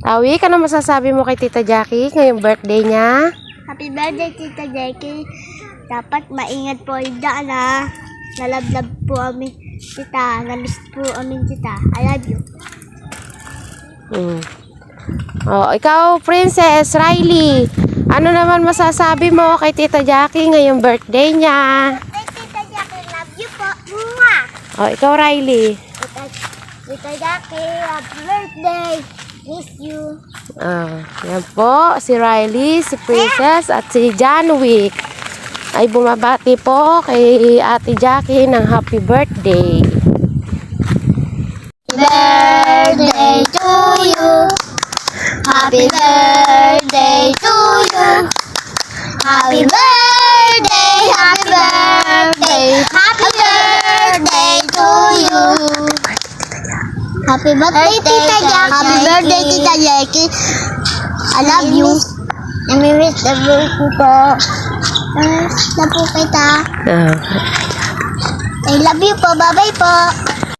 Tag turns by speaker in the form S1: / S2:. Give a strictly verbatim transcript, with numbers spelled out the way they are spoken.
S1: Awi, ano masasabi mo kay Tita Jackie ngayong birthday niya?
S2: Happy birthday, Tita Jackie. Dapat maingat po yung daan, ha. Nalablab po amin, tita. Namiss po amin, tita. I love you.
S1: Hmm. Oh, ikaw, Princess Riley. Ano naman masasabi mo kay Tita Jackie ngayong birthday niya?
S2: Hey, Tita Jackie, love you po. Mwah!
S1: Oh, ikaw, Riley.
S2: Tita, Tita Jackie, happy birthday. Miss you.
S1: Ah, yan po, si Riley, si Princess, at si John Wick ay bumabati po kay Ate Jackie ng happy birthday.
S2: Birthday to you. Happy birthday to you. Happy birthday, happy birthday, happy birthday to you. Happy birthday, Tita Jackie. Happy birthday, Tita Jackie. I love you. Namimiss na po po. Namimiss na po kita.
S1: Ah.
S2: I love you po. Bye-bye po.